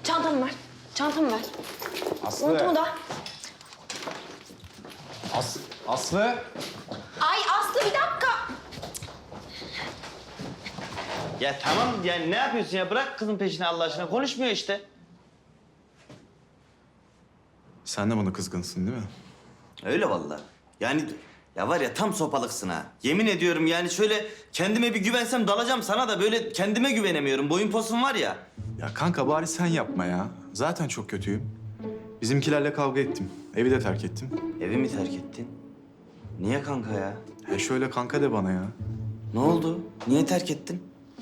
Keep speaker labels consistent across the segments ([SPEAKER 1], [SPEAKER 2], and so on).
[SPEAKER 1] Çantamı ver. Çantamı ver.
[SPEAKER 2] Aslı.
[SPEAKER 1] Montumu da.
[SPEAKER 2] Aslı.
[SPEAKER 1] Ay Aslı bir dakika.
[SPEAKER 3] Ya tamam yani ne yapıyorsun ya? Bırak kızın peşine Allah aşkına. Konuşmuyor işte.
[SPEAKER 2] Sen de bana kızgınsın değil mi?
[SPEAKER 3] Öyle vallahi. Yani ya var ya tam sopalıksın ha. Yemin ediyorum yani şöyle kendime bir güvensem dalacağım sana da böyle kendime güvenemiyorum. Boyun posun var ya.
[SPEAKER 2] Ya kanka bari sen yapma ya. Zaten çok kötüyüm. Bizimkilerle kavga ettim. Evi de terk ettim.
[SPEAKER 3] Evi mi terk ettin? Niye kanka ya?
[SPEAKER 2] He şöyle kanka de bana ya.
[SPEAKER 3] Ne oldu? Niye terk ettin?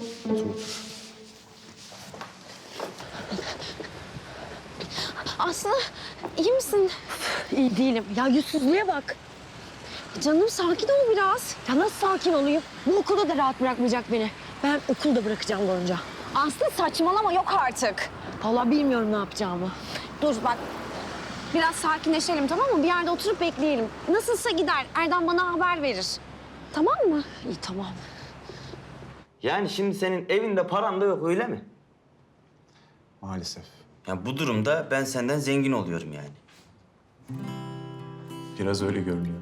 [SPEAKER 1] Aslı iyi misin? İyi değilim. Ya yüzsüzlüğe bak. Canım sakin ol biraz. Ya nasıl sakin olayım? Bu okulda da rahat bırakmayacak beni. Ben okulda bırakacağım Gonca. Aslı saçmalama yok artık. Vallahi bilmiyorum ne yapacağımı. Dur bak. Biraz sakinleşelim tamam mı? Bir yerde oturup bekleyelim. Nasılsa gider. Erdem bana haber verir. Tamam mı? İyi tamam.
[SPEAKER 3] Yani şimdi senin evinde paran da yok öyle mi?
[SPEAKER 2] Maalesef.
[SPEAKER 3] Ya bu durumda ben senden zengin oluyorum yani.
[SPEAKER 2] Biraz öyle görünüyor.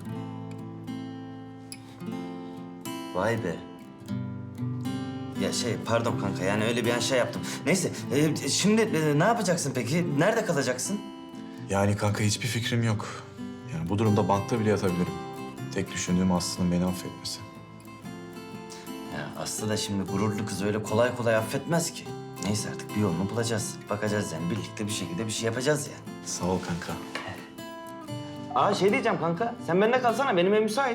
[SPEAKER 3] Vay be. Ya pardon kanka yani öyle bir an yaptım. Neyse şimdi ne yapacaksın peki? Nerede kalacaksın?
[SPEAKER 2] Yani kanka hiçbir fikrim yok. Yani bu durumda bankta bile yatabilirim. Tek düşündüğüm Aslı'nın beni affetmesi.
[SPEAKER 3] Ya Aslı da şimdi gururlu kız öyle kolay kolay affetmez ki. Neyse artık bir yolunu bulacağız. Bakacağız yani birlikte bir şekilde bir şey yapacağız yani.
[SPEAKER 2] Sağ ol kanka.
[SPEAKER 3] Aa diyeceğim kanka. Sen bende kalsana benim ev müsait.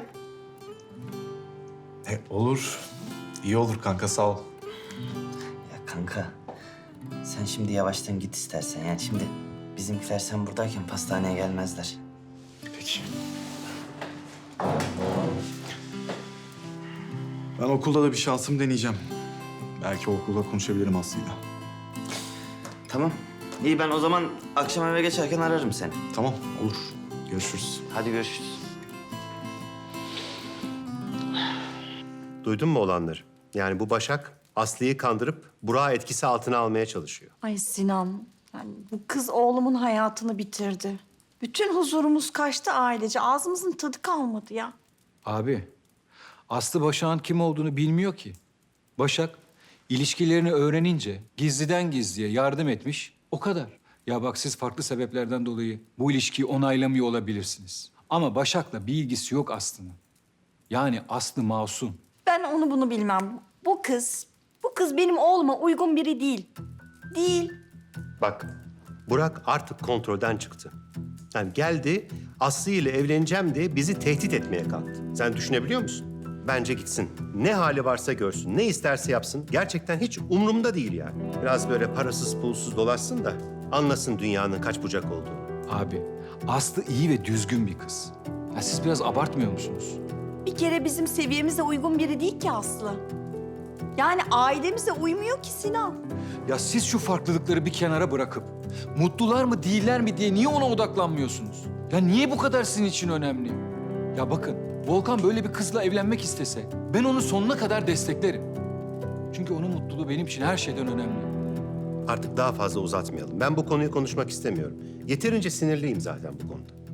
[SPEAKER 2] Olur. İyi olur kanka sağ ol.
[SPEAKER 3] Ya kanka sen şimdi yavaştan git istersen. Yani şimdi bizimkiler sen buradayken pastaneye gelmezler.
[SPEAKER 2] Peki. Ben okulda da bir şansım deneyeceğim. Belki okulda konuşabilirim Aslı'yla.
[SPEAKER 3] Tamam. İyi ben o zaman akşam eve geçerken ararım seni.
[SPEAKER 2] Tamam olur. Görüşürüz.
[SPEAKER 3] Hadi görüşürüz.
[SPEAKER 4] Duydun mu olanları? Yani bu Başak Aslı'yı kandırıp Burak'ı etkisi altına almaya çalışıyor.
[SPEAKER 5] Ay Sinan, yani bu kız oğlumun hayatını bitirdi. Bütün huzurumuz kaçtı ailece. Ağzımızın tadı kalmadı ya.
[SPEAKER 6] Abi, Aslı Başak'ın kim olduğunu bilmiyor ki. Başak, ilişkilerini öğrenince gizliden gizliye yardım etmiş, o kadar. Ya bak siz farklı sebeplerden dolayı bu ilişkiyi onaylamıyor olabilirsiniz. Ama Başak'la bir ilgisi yok Aslı'nın. Yani Aslı masum.
[SPEAKER 5] Ben onu bunu bilmem. Bu kız benim oğluma uygun biri değil. Değil.
[SPEAKER 4] Bak, Burak artık kontrolden çıktı. Yani geldi, Aslı ile evleneceğim diye bizi tehdit etmeye kalktı. Sen düşünebiliyor musun? Bence gitsin. Ne hali varsa görsün, ne isterse yapsın. Gerçekten hiç umurumda değil yani. Biraz böyle parasız pulsuz dolaşsın da anlasın dünyanın kaç bucak olduğunu.
[SPEAKER 6] Abi, Aslı iyi ve düzgün bir kız. Ya siz biraz abartmıyor musunuz?
[SPEAKER 5] Bir kere bizim seviyemize uygun biri değil ki Aslı. Yani ailemize uymuyor ki Sinan.
[SPEAKER 6] Ya siz şu farklılıkları bir kenara bırakıp mutlular mı değiller mi diye niye ona odaklanmıyorsunuz? Ya niye bu kadar sizin için önemli? Ya bakın Volkan böyle bir kızla evlenmek istese ben onu sonuna kadar desteklerim. Çünkü onun mutluluğu benim için her şeyden önemli.
[SPEAKER 4] Artık daha fazla uzatmayalım. Ben bu konuyu konuşmak istemiyorum. Yeterince sinirliyim zaten bu konuda.